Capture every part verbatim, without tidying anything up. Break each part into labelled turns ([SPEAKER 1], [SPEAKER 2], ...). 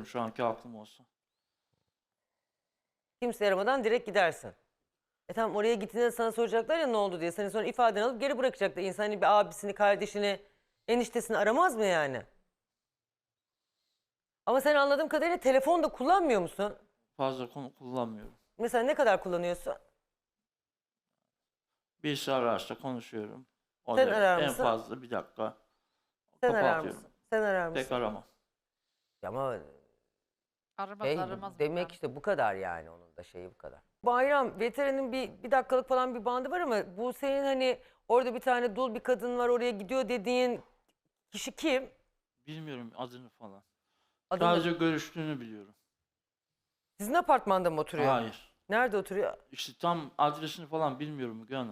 [SPEAKER 1] şu anki aklım olsa.
[SPEAKER 2] Kimse aramadan direkt gidersin. E tamam, oraya gittiğinde sana soracaklar ya ne oldu diye. Seni sonra ifadeni alıp geri bırakacaklar. İnsan hani bir abisini, kardeşini, eniştesini aramaz mı yani? Ama sen anladığım kadarıyla telefon da kullanmıyor musun?
[SPEAKER 1] Fazla konu kullanmıyorum.
[SPEAKER 2] Mesela ne kadar kullanıyorsun?
[SPEAKER 1] Birisi ararsa konuşuyorum. O
[SPEAKER 2] Sen
[SPEAKER 1] da
[SPEAKER 2] arar
[SPEAKER 1] en
[SPEAKER 2] mısın?
[SPEAKER 1] fazla bir dakika.
[SPEAKER 2] Sen arar
[SPEAKER 1] Kapatıyorum.
[SPEAKER 2] mısın? Sen arar
[SPEAKER 1] Pek
[SPEAKER 2] mısın?
[SPEAKER 1] aramam.
[SPEAKER 2] Ama
[SPEAKER 3] Aramaz
[SPEAKER 2] şey,
[SPEAKER 3] aramaz.
[SPEAKER 2] demek
[SPEAKER 3] bakalım.
[SPEAKER 2] işte bu kadar yani, onun da şeyi bu kadar. Bayram, veterinin bir, bir dakikalık falan bir bandı var ama bu senin hani orada bir tane dul bir kadın var oraya gidiyor dediğin kişi kim?
[SPEAKER 1] Bilmiyorum adını falan.
[SPEAKER 2] Adını-
[SPEAKER 1] Sadece görüştüğünü biliyorum.
[SPEAKER 2] Sizin apartmanda mı oturuyor?
[SPEAKER 1] Hayır.
[SPEAKER 2] Nerede oturuyor?
[SPEAKER 1] İşte tam adresini falan bilmiyorum Müge Hanım.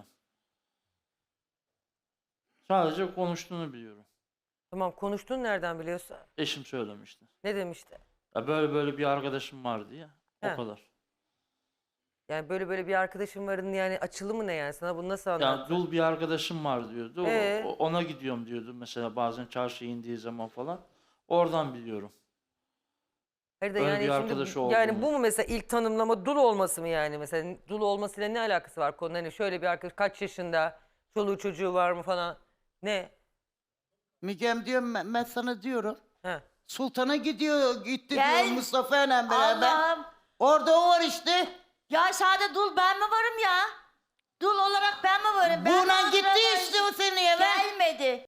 [SPEAKER 1] Sadece konuştuğunu biliyorum.
[SPEAKER 2] Tamam, konuştuğunu nereden biliyorsun?
[SPEAKER 1] Eşim söylemişti.
[SPEAKER 2] Ne demişti?
[SPEAKER 1] Ya böyle böyle bir arkadaşım var diye. O
[SPEAKER 2] He.
[SPEAKER 1] kadar.
[SPEAKER 2] Yani böyle böyle bir arkadaşım varın yani açılımı ne yani? Sana bunu nasıl
[SPEAKER 1] Yani
[SPEAKER 2] anlattı?
[SPEAKER 1] dul bir arkadaşım var diyordu. O-
[SPEAKER 2] Ee?
[SPEAKER 1] o- ona gidiyorum diyordu mesela bazen çarşıya indiği zaman falan. Oradan biliyorum.
[SPEAKER 2] Hayır da
[SPEAKER 1] Öyle
[SPEAKER 2] yani
[SPEAKER 1] bir
[SPEAKER 2] şimdi
[SPEAKER 1] arkadaşı
[SPEAKER 2] yani
[SPEAKER 1] olduğunu.
[SPEAKER 2] bu mu mesela ilk tanımlama, dul olması mı yani? Mesela dul olmasıyla ne alakası var konunun? Hani şöyle bir arkadaş kaç yaşında, çoluğu çocuğu var mı falan? Ne?
[SPEAKER 4] Mügem diyorum ben, ben sana diyorum.
[SPEAKER 2] Ha.
[SPEAKER 4] Sultan'a gidiyor gitti
[SPEAKER 5] Gel.
[SPEAKER 4] diyor Mustafa ile beraber.
[SPEAKER 5] Allah'ım.
[SPEAKER 4] Orada o var işte.
[SPEAKER 5] Ya sade dul ben mi varım ya? Dul olarak ben mi varım? Ben
[SPEAKER 4] Buna
[SPEAKER 5] Mandıra
[SPEAKER 4] gitti
[SPEAKER 5] varım.
[SPEAKER 4] işte o seni eve.
[SPEAKER 5] Gelmedi.